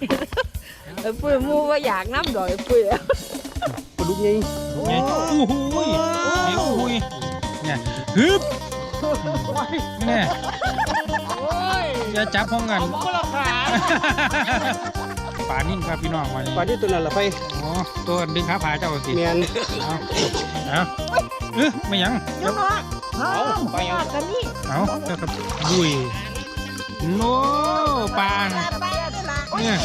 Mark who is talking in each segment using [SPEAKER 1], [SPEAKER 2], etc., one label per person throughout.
[SPEAKER 1] ปุ้ยมูว่าอยากน้ำดอยปุ้ย
[SPEAKER 2] ปลาดุกไง
[SPEAKER 3] ไงโอ้โหนี่โอ้โหเนี่ยฮึบเนี่ยอย่าจับพร้อมกันปลานิ่งครับพี่น้องวันนี้
[SPEAKER 2] ปลาที่ตัวนั้นละไป
[SPEAKER 3] อ๋อตัวดึงขาผาเจ้าสิ
[SPEAKER 2] เมียน
[SPEAKER 3] เอาไม่ยัง
[SPEAKER 1] เอาไปเอากันนี่
[SPEAKER 3] เอาเจ้าครับดุยโน่ปลาเนี่ย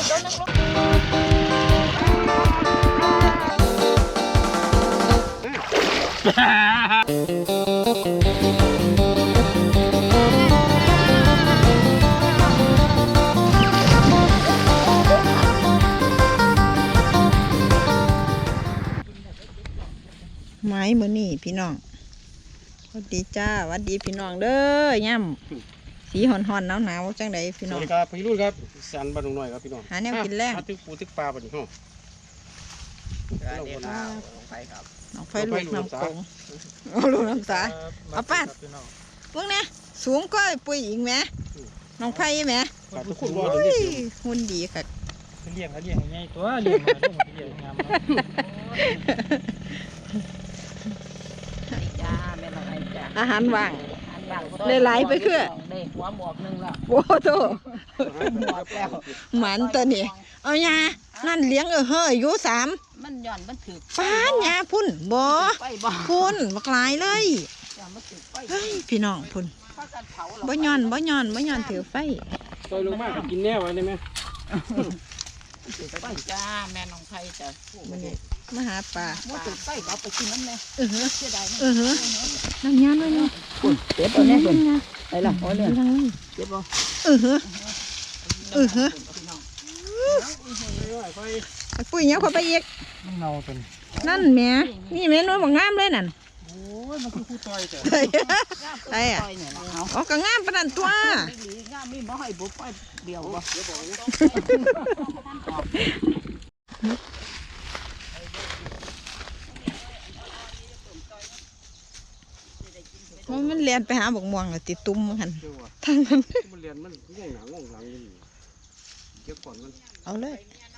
[SPEAKER 1] ไม้มือนี่พี่น้องสวัสดีจ้าสวัสดีพี่น้องเด้อย่ำสีห่อนๆหนาวๆจังไดพี่น้อง
[SPEAKER 2] สวัสดีครับพี่รุ่นครับสันบ้านหน่อยครับพี่น้อง
[SPEAKER 1] หาแนวกินแรง
[SPEAKER 2] ตึกปูตึกปลาบ้านนี้ห้อง
[SPEAKER 1] น้องไฟลูกน้ำโขงลูกน้ำสาเอาป้าพวกนี้สูงก็ปุ้ยอีกไหมน้องไฟไหมหุ่นดีค่ะ
[SPEAKER 3] เลี้ยงยังไงตัวเลี้ยงมาลูกเลี้ยงงาม
[SPEAKER 1] อาหารว่างหลายไปคือ
[SPEAKER 4] หัวหมวกนึงแล้ว
[SPEAKER 1] โอ้โห
[SPEAKER 4] หมวกแล้ว
[SPEAKER 1] หมันตัวนี้เอายานั่นเลี้ยงเฮ้ยอยู่3
[SPEAKER 4] มันย่อนมันถือ
[SPEAKER 1] ป้านยาพุ่นบ่พุ่นบักหลายเลยเฮ้ยพี่น้องพุ่นบ่ย้อนถือไฟ
[SPEAKER 2] ซอยลงมากกินแน่ไว้ได้ไหม
[SPEAKER 4] ไปจ้าแม่น้องไผ่จ้ะ
[SPEAKER 1] มาหาปลา
[SPEAKER 4] ถือไฟเอาไปกินน้ำแม่เสียดาย
[SPEAKER 1] นั่นยา
[SPEAKER 4] เจ็บตัวนี้คนไปละโอ้เนี่ยเจ็บบ่
[SPEAKER 1] ปุ้ยเนี้ยเขาไปอีก
[SPEAKER 3] มันเงาตัวนี้
[SPEAKER 1] นั่นแม่นี่แม่น้อยบอกงามเลยนั่น
[SPEAKER 3] โอ้ยมันคือคู่ต่อยจ้ะ
[SPEAKER 1] ไอ้อะอ๋อก็งามปานนั้นตัว
[SPEAKER 4] งามไม่บ่ให้บุบไปเดียวบ่
[SPEAKER 1] มันเรียนไปหาบกม่วงติดตุ้มมันทางนั้น
[SPEAKER 2] มันเรียนมันง่วงหลังนี่เก็บก่อนมัน
[SPEAKER 1] เอาเลย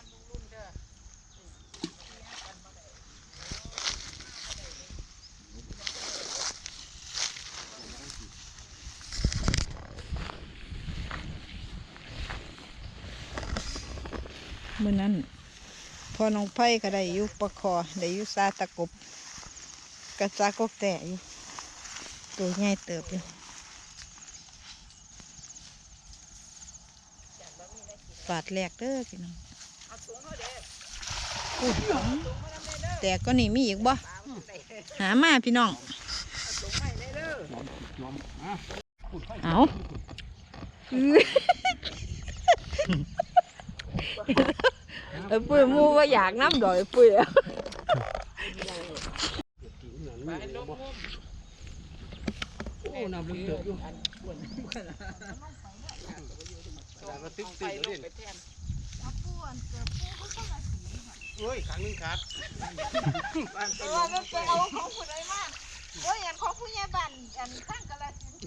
[SPEAKER 1] เมื่อนั้นพอน้องไผ่ก็ได้อยู่ปะคอได้อยู่ซาตะกบกระซากบแต่อยู่ตัวใหญ่เติบอยู่ฝาดแหลกเด้อพี่น้องแต่ก็นี่มีอีกบ่หามาพี่น้องเอาปุ้ยมูว่าอยากน้ำดอยปุ้ย
[SPEAKER 2] โอ้น้ำลึกเติบอยู่เฮ้ยขังนึงขาด
[SPEAKER 1] มันไปเอาของผู้ใดมาโอ้ยอย่างของผู้ใหญ่บ้านอันข้างก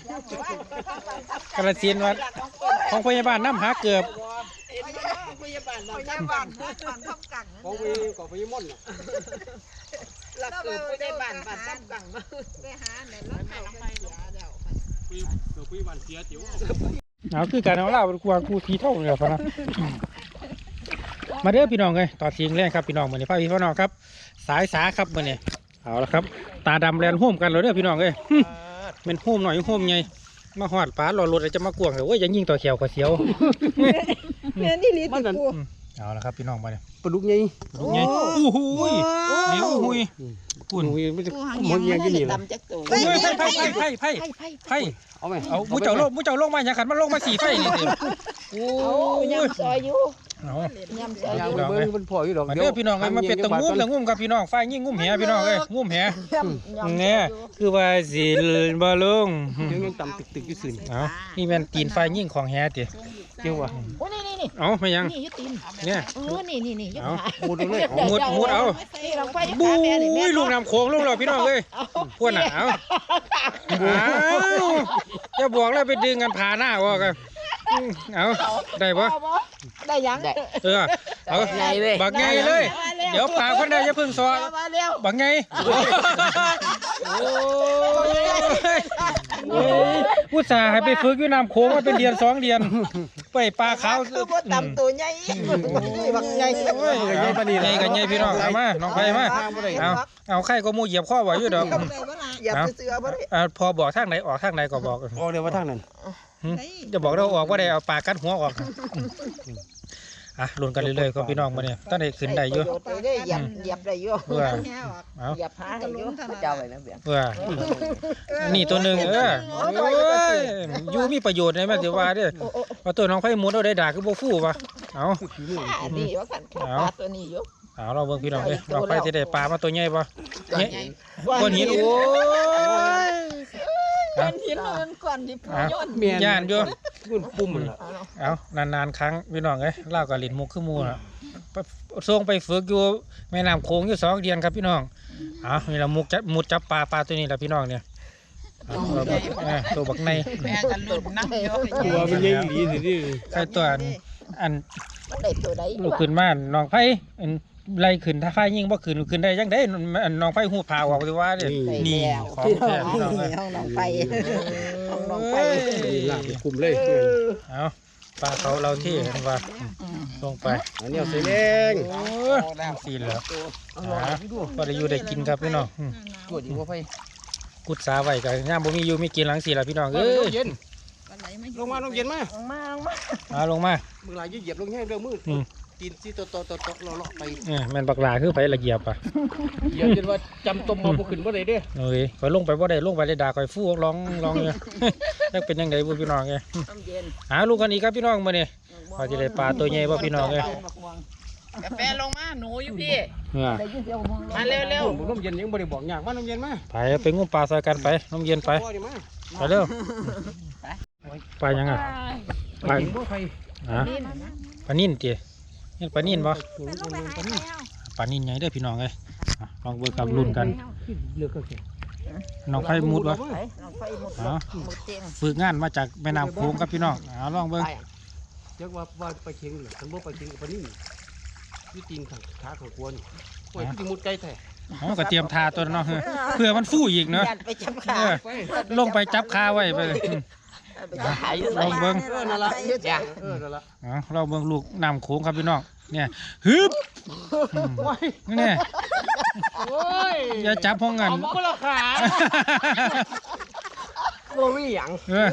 [SPEAKER 3] ระสินวัดของพยาบาลน้ำหาเกือบ
[SPEAKER 1] พยาบาลทำกัง
[SPEAKER 2] ของพยาม่อน
[SPEAKER 1] หลักเกิดพยาบาลบ้านทำกังไปหาเนี่ยแล้วเขาไปเสียเดี๋ยว
[SPEAKER 2] พยาบาลเสียติ๋ว
[SPEAKER 3] เอาคือการเอาเล่าเป็นควงกูทีเท่าเลยพะนะมาเด้อพี่น้องเลยต่อทีงแรกครับพี่น้องเหมือนในภาพพี่น้องครับสายสาครับเหมือนเนี่ยเอาละครับตาดำแลนห่มกันเลยเด้อพี่น้องเลยเป็นห่มหน่อยห่มไงมาหอดปลาหลอดรถจะมากวงเลยโอ้ยยังยิงต่อเขียวกว่าเสียว
[SPEAKER 1] เนี่ยนี่ลิ้นมัน
[SPEAKER 3] เอาละครับพี่น้องมาเนี่ย
[SPEAKER 2] ปลาดุกไง
[SPEAKER 3] ปลาดุกไงโอ้โหเดี๋ยวหุย
[SPEAKER 2] ปุ่นไม่จะมันยังกินอยู่เลย
[SPEAKER 3] ไผ่เอาไหมเอามุ้เจ้าลงมาอย่างขันมันลงมา4 ไฟนี่สิ
[SPEAKER 4] โอ้ยำซอยอยู่
[SPEAKER 3] ยำซ
[SPEAKER 2] อยอยู่มันพออยู่ดอก
[SPEAKER 3] เดี๋ยวพี่น้องมันเป็นตะงุ้มกับพี่น้องไฟยิ่งงุ้มแหพี่น้องเลยงุ้มแหเนี่ยคือว่าสิบอลง
[SPEAKER 2] ยังต่ำตึกอยู่สื่อ
[SPEAKER 3] นี่เป็นตีนไฟยิ่งของแหติ
[SPEAKER 2] เกี่ยววะ
[SPEAKER 4] โอ้นี่
[SPEAKER 3] เอาไม่ยัง
[SPEAKER 4] นี่ยุติน
[SPEAKER 3] เนี่ย
[SPEAKER 4] นี่
[SPEAKER 3] เอามุดเลยมุดเอาบู๊ยลูกน้ำโขงลูกเราพี่น้องเลยพวกหนาวจะบอกแล้วไปดึงกันผ่าหน้าว่ากันเอาได้ปะ
[SPEAKER 1] ได้ยัง
[SPEAKER 3] เออเอา
[SPEAKER 4] ใหญ่เลย
[SPEAKER 3] บักไงเลย เดี๋ยวปากคนใดจะพึ่งซอ
[SPEAKER 1] มาเร็ว
[SPEAKER 3] บักไงโอ้ยอุตส่าห์ให้ไปฝึกอยู่น้ำโขงมาเป็นเดือน2 เดือนไปปลาขาว
[SPEAKER 1] คือบ่ตำตัวใหญ่บักใหญ่
[SPEAKER 3] โอ้ยไงปานนี้ไงกันไงพี่น้องเอามาน้องไผมาเอาไข่ก็มูเหยียบข้อไว้อยู่ดอก
[SPEAKER 1] อย่าไปเสือบ่ได้
[SPEAKER 3] พอบอกทางไหนออกทางไหนก็บอก
[SPEAKER 2] ออกเดี๋ยวว่าทางนั้น
[SPEAKER 3] จะบอกเราออกว่าได้เอาปากกัดหัวออกอ่ะลุ้นกันเรื่อยๆก็พี่น้องมาเนี่ยตั้งแต่ขึ้นได้อยู่
[SPEAKER 1] ไปได้เหยียบได้อยู่
[SPEAKER 3] เพื่อเอา
[SPEAKER 1] เหยียบหาให้อยู่เจ้าไว้แล้วเบี้ย
[SPEAKER 3] เพื่อนี่ตัวหนึ่งโอ้ยยูมีประโยชน์ในแม่เดี๋ยวว่าเด้อเอาตัวน้องไผ่มุดเอาได้ด่าคือโบฟู่ปะเอา
[SPEAKER 1] นี่ว่ากันปลาตัวนี้อยู่
[SPEAKER 3] เอาเราเบิ่งพี่น้องเลยน้องไผ่จะได้ปลามาตัวใหญ่ปะเนี่ยก้อนหินโอ้ย
[SPEAKER 1] ก้อนหินมันก้อนที่ผู้ย่น
[SPEAKER 3] ย่านอยู่
[SPEAKER 2] ปุ่มมันละ
[SPEAKER 3] เอานานๆครั้งพี่น้องเอ้ยเล่ากับลิ้นมุกขึ้นมูนะส่งไปฝึกอยู่แม่น้ำโขงอยู่2 เดือนครับพี่น้องเอานี่เรามุดจับปลาตัวนี้แหละพี่น้องเนี่ยตัวบักใน
[SPEAKER 1] แม่กันลุ้นนั่งเยอะ
[SPEAKER 2] ตัวมันใหญ่ดีสิที่
[SPEAKER 3] ใครตัวอัน
[SPEAKER 1] ได้ตัวใด
[SPEAKER 3] ลูกขึ้นมาน้องไผ่ไล่ขึ้นถ้าไฟยิงบ่ขึ้นได้ยังได้น้องไผ่หูผ่าออกเลยว่าเนี่ยนี่ของแท้พี่น้องเลย
[SPEAKER 1] ห้องน้องไปห้องน้องไป
[SPEAKER 2] ลากไปคุมเลย
[SPEAKER 3] เอาปลาเขาเราที่เห็นว่าลงไป
[SPEAKER 2] อันนี้เอาใส่แดง
[SPEAKER 3] โอ้สีเหลือก็ได้อยู่ได้กินครับพี่น้อง
[SPEAKER 2] ตัวดีกว่าไฟ
[SPEAKER 3] กุดสาไว้กันย่ามบ่มีอยู่มีกินหลังสีละพี่น้องเอ้ย
[SPEAKER 2] เย็นลงมาลงเย็นมา
[SPEAKER 3] ลงมา
[SPEAKER 2] มือลายเหยียบลงแห้งเด้อมือตีนที่โตเลาะไป
[SPEAKER 3] แม่นบักหลาคือไปละเอียบอ่ะ
[SPEAKER 2] เหยียบจนว่าจำตมมาบ่ขึ้นบ่ได้เด้อ
[SPEAKER 3] เอ้ยข่อยลงไปบ่ได้ลงไปได้ด่าข่อยฟูร้องเนี่ยจักเป็นยังไงบ่พี่น้องไงหาลูกกันอีกครับพี่น้องมื้อนี้พอสิได้ปลาตัวใหญ่บ่พี่น้องเอ้ย
[SPEAKER 1] กาแฟลงมาหนูอยู่พี่
[SPEAKER 3] เนี่ย
[SPEAKER 1] มาเร็ว
[SPEAKER 2] น้ำเย็นยังบ่ได้บอกยากมาน้ำเย็นมา
[SPEAKER 3] ไปงุ้มปลาใส่กันไปน้ำเย็นไปไปเร็วไปยังอ่ะไป
[SPEAKER 2] บ่ไฟ
[SPEAKER 3] ฮะปลานิ่นติเห็นปลานิ่นบ่ปลานิ่นใหญ่เด้อพี่น้องเอ้ยลองเบิ่งกับรุ่นกัน
[SPEAKER 2] เลือกก็แค่
[SPEAKER 3] น้องไผ่มุดวะ
[SPEAKER 1] น้องไฟหมด
[SPEAKER 3] อ๋อ
[SPEAKER 1] หมดเตียง
[SPEAKER 3] ฝึกงานมาจากแม่น้ำโขงครับพี่น้องลองเบิ่ง
[SPEAKER 2] จักว่าไปเคียงหรือคันบ่ไปเคียงกับปนี่อยู่ตีนข้างขาของกวนโอ้ยคือมุดไกลแท้
[SPEAKER 3] อ๋อก็เตรียมทาตัวเนาะเพื่อมันฟู่อีกเนาะ
[SPEAKER 1] ยันไปจับขา
[SPEAKER 3] ลงไปจับคาไว้ไป
[SPEAKER 1] ไปจับขาอยู่
[SPEAKER 3] ลองเบิ่ง
[SPEAKER 2] นั่นละนั่นละ
[SPEAKER 3] เราเบิ่งลูกน้ำโขงครับพี่น้องเนี่ยฮึบนี่
[SPEAKER 2] โอ้ย
[SPEAKER 3] อย่าจับห้องกัน
[SPEAKER 2] เอาบ่ละขาบ่มีหยัง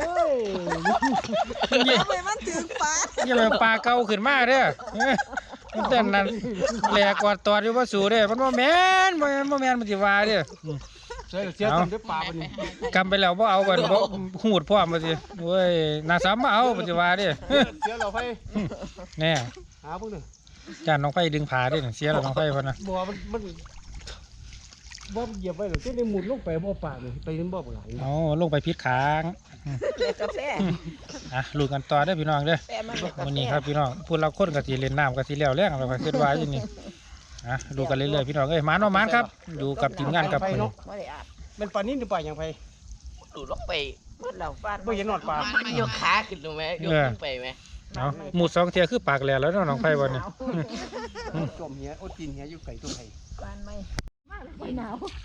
[SPEAKER 1] เอาไปมันถึงปลา
[SPEAKER 3] อย่าไปปลาเก่าขึ้นมาเด้อมันเต้นนั่นแหลกกอดตอดอยู่ว่าสูเด้อมันบ่แม่นมันสิว่าเด้อ
[SPEAKER 2] เสียทำด้วยปลาปนี่
[SPEAKER 3] กำไปแล้วบ่เอากันบ่หูดพร้อมมาสิโอ้ยน่าซ้ำมาเอามันสิว่าเด้อ
[SPEAKER 2] เสียเราไฟ
[SPEAKER 3] แน่
[SPEAKER 2] หาพวกนึง
[SPEAKER 3] จานน้องไฟดึงผาเด้อเสียแล้วน้องไฟพุ่นน่ะ
[SPEAKER 2] บ่มันบ่เหยียบไว้หรอกที่ได้หมุนลงไปบ่ปลาเลยไปนั่นบ่ปลา
[SPEAKER 3] เอาลงไปพิษค้าง
[SPEAKER 1] กาแฟ
[SPEAKER 3] ลุ้นกันต่อเด้อพี่น้องเด้อ
[SPEAKER 1] แฟมัน
[SPEAKER 3] วันนี้ครับพี่น้องพูดเราคนก็สิเล่นน้ำก็สิแล้วแรงเราก็คิดว่าอยู่นี่ดูกันเรื่อยๆพี่น้องเอ้ยหมานว่าหมานครับอยู่กับทีมงานกับ
[SPEAKER 1] ไม่ได้อาบ
[SPEAKER 2] มันปลานิ่นหรือปลาอย่างไผ
[SPEAKER 4] ดูลงไป
[SPEAKER 1] มันเหล่าฟาด
[SPEAKER 2] บ่เห็นนอดปลา
[SPEAKER 4] มันยกขาขึ้นลงไหมยกขึ้นไปไหม
[SPEAKER 3] เอาหมู2เที่ยคือปากแหลแล้วเนาะน้องไฟวันนี้
[SPEAKER 2] จมเหียโอ้ตีนเหียอยู่ไก่ตัวไผ
[SPEAKER 1] ฟาดไม่หนาว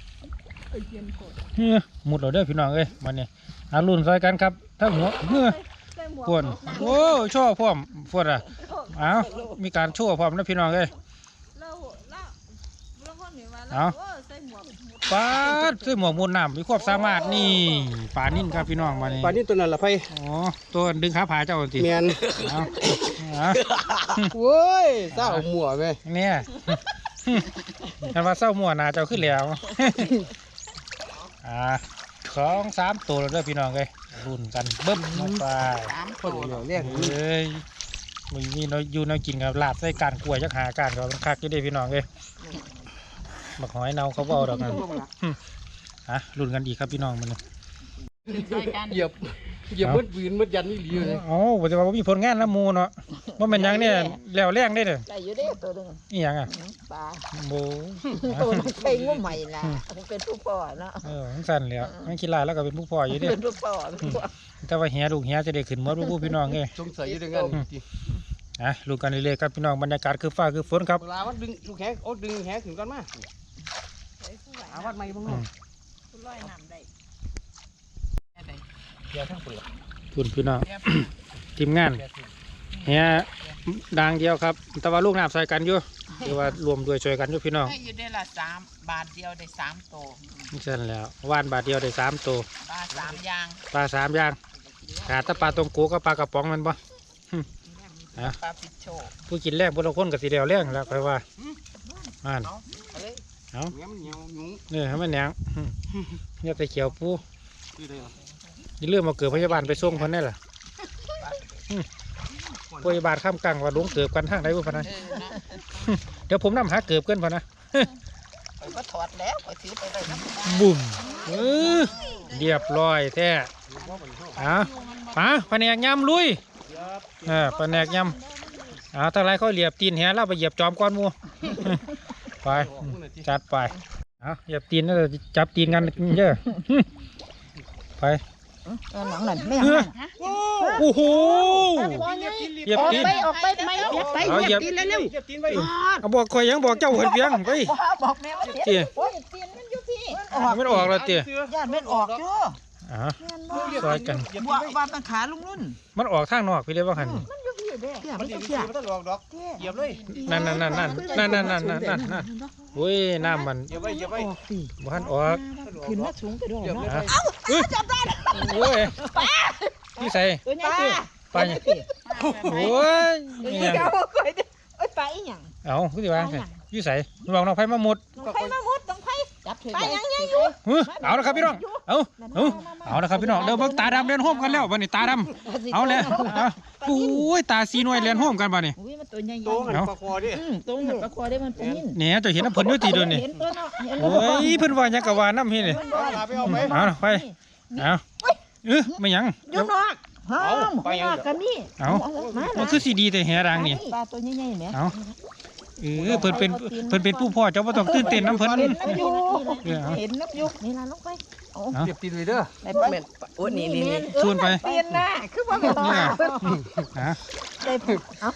[SPEAKER 3] หมุดเราเด้อพี่น้องเอ้ยวันนี้ลุ้นซอยกันครับทั้งหัวพวนโอ้โชว์พร้อมพวนอ่ะเอามีการโชว์พร้อมนะพี่น้องเอ้ยเอาปลาใส่หมวกมุนน้ำมีความสามารถนี่ปลานิ่นครับพี่น้องมานี่
[SPEAKER 2] ปลานิ่นตัวนั้นละไผ
[SPEAKER 3] อ๋อตัวดึงขาผาเจ้าสิ
[SPEAKER 2] แม่น
[SPEAKER 3] เอาเอา
[SPEAKER 2] โว้ยเศร้าหมัวแม่
[SPEAKER 3] เนี่ยคันว่าเศร้ามั่วหนาเจ้าขึ้นแล้ว2-3ตัวแล้วเด้อพี่น้องเอ้ยรุ่นกันเบิ้มลงไป
[SPEAKER 2] คนเดียวเรียก
[SPEAKER 3] เอ้ยมีน้อยอยู่น้อยกินกับลาบใส่การกล้วยจักหาการก็มันคักอยู่เด้พี่น้องเอ้ยบักหอยเนาเขาบ่เอาดอกนั่นรุ่นกันอีกครับพี่น้องมัน
[SPEAKER 2] เหยียบเหยียบมืดยืนมืดยันนี่หลีเลย
[SPEAKER 3] อ๋อบ่จะว่าบ่มีผลงานละหมู่เนาะบ่แม่นหยังเนี่ยแล้วแรงได้เด้อ
[SPEAKER 4] ได้อยู่เด้ตัวนึง
[SPEAKER 3] อีหยังอ่ะ
[SPEAKER 4] ปลา
[SPEAKER 3] โบ่
[SPEAKER 4] ตัวน้องไฟงูใหม่ล่ะเป็นผู้พ่อเนาะ
[SPEAKER 3] มันสั่นแหล้วมันขี้ลายแล้วก็เป็นผู้พ่ออยู่เด้
[SPEAKER 4] เป็นผู้พ่อ
[SPEAKER 3] แต่ว่าแหลูกแหจะได้ขึ้นหมดบ่พี่น้องเอ้ย
[SPEAKER 2] สงสัยอยู่ด้วยกันจริง
[SPEAKER 3] ลุ้นกันเรื่อยๆครับพี่น้องบรรยากาศคือฟ้าคือฝนครับ
[SPEAKER 2] เวลาว่าดึงลูกแหโอ้ดึงแหขึ้นก่อนมาอาวัดใหม่บ้างเนาะ
[SPEAKER 4] ลอยน้ำได้
[SPEAKER 2] เดี๋ยวทั้งเปลือก
[SPEAKER 3] คุณพี่น้อง ทีมงานแหดังเดียวครับแต่ว่าลูกน้ำใส่กันอยู่หรือว่ารวมด้วยช่วยกันอยู่พี่น้อง
[SPEAKER 5] ให้อยู่ได้ละ3 บาทเดียวได้3 ตัว
[SPEAKER 3] นี่สั่นแล้วว่านบาทเดียวได้3ตัว
[SPEAKER 5] ปลา3 อย่าง
[SPEAKER 3] ปลา3อย่างขาดแต่ปลาตรงกูกับปลากระป๋องมันบ่
[SPEAKER 5] ปลาปิดโชว์
[SPEAKER 3] ผู้กินแรงบนละคนกับสีเดียวแรงแล้วค่อยว่าอ่าน
[SPEAKER 2] เงี้ยมันเหนียวหนุ่ม
[SPEAKER 3] เนี่ยให้มันหยังเนี่ยไปเขียวปู
[SPEAKER 2] คือได้เหรอ
[SPEAKER 3] อย่าลืมมาเกิดพยาบาลไปส่งคนได้ล่ะพยาบาลข้ามกลางว่าลงเกิดกันทางไหนบ่พะนะ
[SPEAKER 5] นะ
[SPEAKER 3] เดี๋ยวผมนำหาเกิดกันพะนะ
[SPEAKER 5] ไปก็ถอดแล้วไปถือไปเลยนะ
[SPEAKER 3] บุ่มเรียบร้อยแท้แผนกยำลุยแผนกยำถ้าไรเขาเหยียบตีนแหเราไปเหยียบจอมก้อนหมู ไปจัดไปเหยียบตีนแล้วจับตีนกันเยอะไป
[SPEAKER 4] หนังนั่นไม่
[SPEAKER 3] โอ้โหเหยียบ
[SPEAKER 4] ออก
[SPEAKER 3] ตีน
[SPEAKER 4] ไปออกไปไม่ไป
[SPEAKER 3] เอาเหยียบ
[SPEAKER 4] ตีนเร็ว
[SPEAKER 2] เหยียบตีนไว้
[SPEAKER 3] เอาบอกคอยยังบอกเจ้าเหินเพียงไป
[SPEAKER 4] บอกแม่ว่า
[SPEAKER 3] เตี้ย
[SPEAKER 4] โอ้ยตีนมันอยู่พี่
[SPEAKER 3] ไม่ออกแล้วเตี้ย
[SPEAKER 4] ญาติมันออกจ้ะ
[SPEAKER 3] ซอยกัน
[SPEAKER 4] บัวว่ามันขาลุงรุ่น
[SPEAKER 3] มันออกทางนอกพี่เลยว่าหัน
[SPEAKER 4] มันอยู่พี่เด้เตี้ย
[SPEAKER 2] มั
[SPEAKER 4] มัน น
[SPEAKER 2] ดี
[SPEAKER 4] อยู่
[SPEAKER 2] เสี
[SPEAKER 4] เตี้
[SPEAKER 2] ย
[SPEAKER 4] ย
[SPEAKER 2] มันต้องหลอกดอกเหยียบเลย
[SPEAKER 3] นั่นโอ้ยน้ำมัน
[SPEAKER 2] เหยียบไว้เหยียบไว้
[SPEAKER 4] ออกสิ
[SPEAKER 3] บ้านออก
[SPEAKER 4] ขึ้นมาสูงไปด้วย
[SPEAKER 2] เหยียบเลย
[SPEAKER 4] เนาะ
[SPEAKER 3] จับได้โอ้ยพี่ใส่
[SPEAKER 4] ตัวใหญ่สิ
[SPEAKER 3] ไปเนี่ยโอ้ย
[SPEAKER 4] ตัว
[SPEAKER 3] นี่
[SPEAKER 4] ใหญ่
[SPEAKER 3] ยัง
[SPEAKER 4] เอาไปเด้เอ้ยไปอีหยัง
[SPEAKER 3] เอาคือสิว่าพี่ใส่ลองน้องไผ่มาหมด
[SPEAKER 4] ต้องไผมามุดต้องไผจับไปยังยังอยู่
[SPEAKER 3] เอาละครับพี่น้องเอาละครับพี่น้องเดี๋ยวเบิ่งตาดำเรียนโฮมกันแล้ววันนี้ตาดำเอาเลยโอ้ยตาสีหน่วยเรียนโฮมกันบ่นี่
[SPEAKER 4] อุ้ยมันตัวใหญ่
[SPEAKER 2] โตมันปลาคอดิ
[SPEAKER 4] ตรงหัวปลาคอได้มันเป็นนิ่ม
[SPEAKER 3] เนี่ยจะเห็นน้ำเพิ่นอยู่ตีเดินนี่
[SPEAKER 4] เห็นตัวเนาะเห็น
[SPEAKER 3] โอ้ยเพิ่นว่าหยังกะว่าน้ำพี่นี่
[SPEAKER 2] ลาไปเอาไป
[SPEAKER 3] เอาไปเอาไม่หยัง
[SPEAKER 4] อยู่นอกห้องไปยังกันนี่
[SPEAKER 3] เอามันคือสีดีแต่แหดังนี่
[SPEAKER 4] ปลาตัวใหญ่ๆแหม
[SPEAKER 3] เอาเพิ่นเป็นผู้พ่อเจ้าบ่ต้องตื่นเต้นน้ำเพิ่น
[SPEAKER 4] เห็นน้ำยุกเห็นน้ำยุกนี่ล่ะลงไป
[SPEAKER 2] เหยียบตีนเลยเด้อ
[SPEAKER 4] ไปบ่แม่นโอ้นี่
[SPEAKER 3] ชวนไป
[SPEAKER 4] เปลี่ยนหน้าคือว่าแม่น
[SPEAKER 3] นี่นะฮะ
[SPEAKER 4] ได้เอา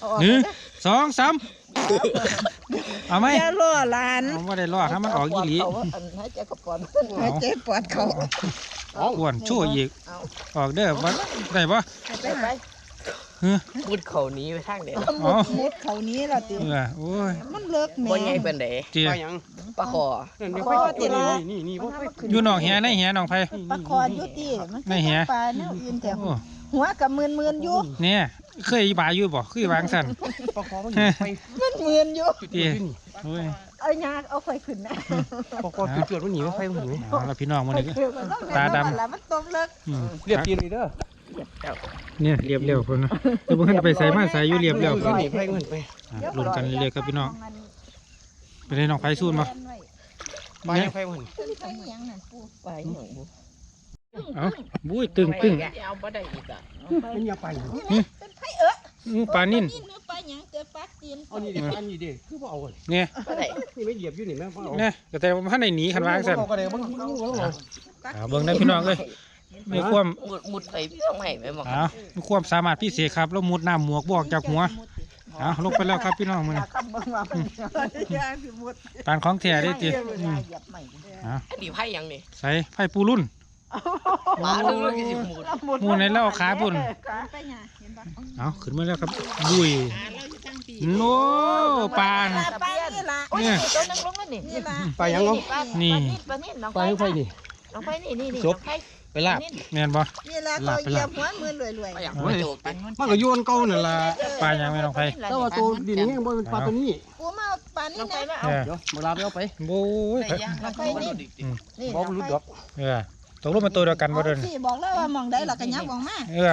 [SPEAKER 3] 1 2 3เอาไหม
[SPEAKER 4] อย่าล่อหลาน
[SPEAKER 3] เอาบ่ได้รอดถ้ามันออกอีหลี
[SPEAKER 4] ให้ใจกระป๋อนให้ใจปอดเขา
[SPEAKER 3] อ้วนชั่วอีกออกเด้อบ่ได้บ่
[SPEAKER 4] ไป
[SPEAKER 5] มุดเขานี้ไปทางเด็ด
[SPEAKER 3] อ๋อ
[SPEAKER 4] มุดเขานี้ล่ะติ
[SPEAKER 3] โอ้ย
[SPEAKER 4] มันเลิกแม่
[SPEAKER 5] บ่ใหญ่เป็นเด๋
[SPEAKER 3] เจี๊ย
[SPEAKER 2] ปลาหยัง
[SPEAKER 5] ปลาคอ
[SPEAKER 2] นี่ไฟติดนี่พวกไฟ
[SPEAKER 3] อยู่นอกแหในแหน้องไผ
[SPEAKER 4] ปลาคออยู่ติมันปลาแนวอื่นแต่
[SPEAKER 3] โอ้
[SPEAKER 4] หัวกับมื่นอยู่
[SPEAKER 3] เนี่ยเคยบาอยู่บ่เคยวางสั่น
[SPEAKER 2] ปลาคอมันอยู่ไฟ
[SPEAKER 4] มันมื่นอยู่
[SPEAKER 3] เจี๊ยโอ้ย
[SPEAKER 4] เอายาเอาไฟขึ้นนะ
[SPEAKER 2] ปลาคอเกิดมันหนีไฟมันหนี
[SPEAKER 3] เอาละพี่น้องมื้อนี้ ตาดำ
[SPEAKER 4] แล้วมันตบเลิก
[SPEAKER 2] เหยียบตีนเลยเด้อ
[SPEAKER 3] เนี่ยเรียบเร็วพุ่นนะเดี๋ยวบ่ทันไปใส่มาใส่อยู่เรียบเร็ว
[SPEAKER 2] หนีไฟมันไป
[SPEAKER 3] ลุ้นกันเรื่อยๆครับพี่น้องไปได้น้องไผสู้บ่
[SPEAKER 2] ปลาไฟมัน
[SPEAKER 4] ไปยังนั่นปูไปหยังบ่
[SPEAKER 3] เอ้าบุ้ยตึง
[SPEAKER 5] เอาบ่ได้อีกอ่ะ
[SPEAKER 2] มันอย่าไป
[SPEAKER 3] ปลานิ่น
[SPEAKER 4] ไปหยังเจอปลาตีน
[SPEAKER 2] เอานี่ดิอันนี้ดิคือว่าเอาเลย
[SPEAKER 3] เนี่ย
[SPEAKER 5] บ่ได้
[SPEAKER 2] นี่ไม่เหยียบอยู่นี่แม่พ่อเอา
[SPEAKER 3] เนี่ยแต่ว่าท่านได้หนีคันวางสั่น
[SPEAKER 2] ก็ได้บ้าง
[SPEAKER 3] เบิ่งได้พี่น้องเลยมีความ
[SPEAKER 5] มุดไปพี่ต้องให้แม่บอก
[SPEAKER 3] มีความสามารถพิเศษครับแล้วมุดน้ำหมวกบอกจากหัวลงไปแล้วครับพี่น้องมื้อนี้
[SPEAKER 4] คำเบิ่งว่ามันยาสิหมด
[SPEAKER 3] ปานของแท้ได้ติ
[SPEAKER 4] เหยียบใหม่
[SPEAKER 5] ดีไผ่ยังนี่
[SPEAKER 3] ใส่ไผ่ปูรุ่น
[SPEAKER 5] ปลาลึกๆก็สิมุด
[SPEAKER 3] หมูในแล้วขาปุ่น
[SPEAKER 4] ไปหยังเห็นบ่
[SPEAKER 3] เอาขึ้นมาแล้วครับบุยโน้ปาน
[SPEAKER 4] ปลานี่ล่ะโอ้ยตัวนึงลงแล้วนี่ล่ะ
[SPEAKER 2] ปลายังเนาะ
[SPEAKER 4] ปลานี่น้อง
[SPEAKER 2] ปลาไฟนี่
[SPEAKER 4] น้องไฟนี่น้องไฟ
[SPEAKER 2] ไปลาบ
[SPEAKER 3] แม่นบ่
[SPEAKER 4] นี่ล่ะเขาเหยียบหัวมือรวย
[SPEAKER 5] ปลาอย่างบ่โจกกัน
[SPEAKER 2] มันก็โยนเก่านั่นล่ะ
[SPEAKER 3] ปลายังไม่น้องไผ่
[SPEAKER 2] แต่ว่าตัวดินนี่บ่เป็นปลาตัวนี้
[SPEAKER 4] ปูมาปลานี่นะ
[SPEAKER 2] เดี๋ยวมาลาไปเอาไป
[SPEAKER 3] โอ้ย
[SPEAKER 5] แต่ยังเราก็บ่ได้ดิ
[SPEAKER 4] นี่
[SPEAKER 2] บ่รู้ดอก
[SPEAKER 3] ตกลงเป็นตัวเดียวกันบ่เดิน
[SPEAKER 4] สิบอกแล้วว่ามองได้ล่ะก็ยับออกมา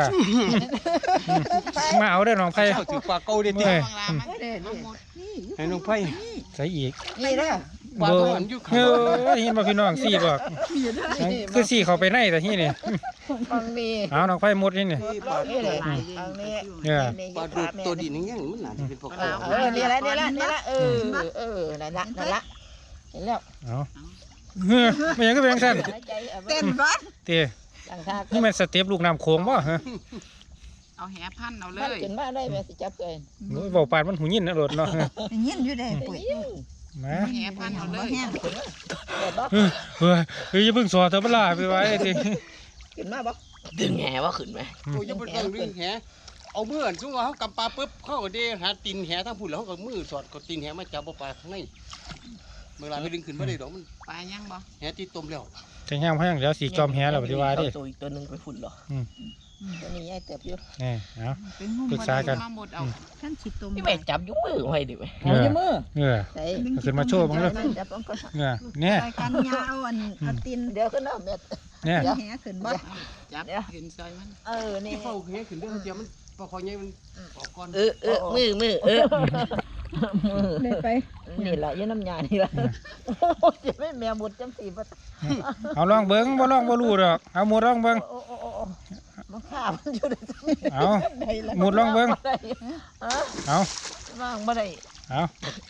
[SPEAKER 3] มาเอาเด้อน้องไผ่
[SPEAKER 2] เจ้าถือปลาเก่าดิ
[SPEAKER 3] เอ้ย
[SPEAKER 5] วางลามัน
[SPEAKER 2] ให้น้องไฟ
[SPEAKER 3] ใส่อีก
[SPEAKER 4] นี่เด้อ
[SPEAKER 2] ปลา
[SPEAKER 3] เบอ
[SPEAKER 2] ตัว
[SPEAKER 3] ร์
[SPEAKER 2] หันอยู่
[SPEAKER 3] เฮ้ยเห็นบ่พี่น้องสี่บอกคือสี่เข้าไปในแต่ที่นี่
[SPEAKER 4] ฟังนี่
[SPEAKER 3] เอาน้องไฟหมดนี่นี่
[SPEAKER 2] ปลา
[SPEAKER 4] นี่เลยฟังนี่
[SPEAKER 3] เนี่ย
[SPEAKER 2] ปลาดูตัวดินอย่างเงี้ยมันน่าจะเป็นปลา
[SPEAKER 4] นี่แหละนั่นละเห็นแล้ว
[SPEAKER 3] เอาเฮ้ยไม่ยังก็เป็นสั้น
[SPEAKER 1] เต้นบ้าน
[SPEAKER 3] เตี้ย
[SPEAKER 4] ต่างชาติ
[SPEAKER 3] นี่มันสเต็ปลูกน้ำโขงบ่ฮะ
[SPEAKER 5] เอาแหพันเอาเล
[SPEAKER 4] มัน
[SPEAKER 5] ย
[SPEAKER 4] กินมาได้แม่สิจับเกิน
[SPEAKER 3] โอ้ยเบาปานมันหูยินนะรถเนาะ
[SPEAKER 1] อย่างนี้อยู่ได้ปุ๋ย
[SPEAKER 3] มา
[SPEAKER 5] แหพันเอาเล
[SPEAKER 1] บ่
[SPEAKER 5] ย
[SPEAKER 1] แห้ง
[SPEAKER 3] เฮ้ยอย่าเพิ่งสอดเธอเปล่าไปไว้ที
[SPEAKER 4] กินมาบ่
[SPEAKER 5] ดึงแหว่าขึ้นไหม
[SPEAKER 2] โอ้ยยังเป็นเรื่องดึงแหเอามืออันซุ่มว่าเขากำปลาปุ๊บเขาก็เด้หาตีนแหทั้งพุ่นแล้วเขาก็มือสอดก็ตีนแหมาจับปลาข้างในเวลาไปดึงขึ้นมาได้ดอกมัน
[SPEAKER 5] ปลายังบ่
[SPEAKER 2] แหตีต้มแล้ว
[SPEAKER 3] จะย่างพยังเดี๋ยวสีจอมแฮแล้วปฏิวัติดิ
[SPEAKER 5] ตัวอีกตัวหนึ่งไปฝุ่นเหรอ
[SPEAKER 4] ตัวนี้ยายเติบอยู่
[SPEAKER 3] นี่เอา
[SPEAKER 1] เป็นหุ้ม
[SPEAKER 3] ปรึกษากัน
[SPEAKER 5] มาหมดเอา
[SPEAKER 1] ท่านสิตม
[SPEAKER 5] พี่แม่จับยุกมือไว้ดิเว้ย
[SPEAKER 4] เอาอยู่มือ
[SPEAKER 3] เออ
[SPEAKER 4] ใส่
[SPEAKER 3] เอาขึ้นมาโชว์บ้างเลย
[SPEAKER 4] จับมันก็
[SPEAKER 3] เออเนี่ย
[SPEAKER 1] ใส่กันยาเอาอันเอาตีน
[SPEAKER 4] เดี๋ยวขึ้นเอาเม็ด
[SPEAKER 3] เนี่ย
[SPEAKER 1] แหขึ้นบ่
[SPEAKER 5] จับขึ้นซอยมัน
[SPEAKER 4] นี่
[SPEAKER 2] ที่เขาแหขึ้นเด้อเดี๋ยวมันปลาคอยใหญ่มันออกก่อน
[SPEAKER 5] มือ
[SPEAKER 4] มือ
[SPEAKER 1] ได้ไป
[SPEAKER 4] นี่แหละยืนน้ำยานี่แหละจะไม่แมวหมดจังสีบ่
[SPEAKER 3] เอาลองเบิ้งบ่ลองบ่รู้ดอกเอาหมดลองเบิ้ง
[SPEAKER 4] โอ้มันข้ามันอยู่ใน
[SPEAKER 3] เอาหมดลองเบิ้งเอา
[SPEAKER 4] ว่างบ่ได้
[SPEAKER 3] เอา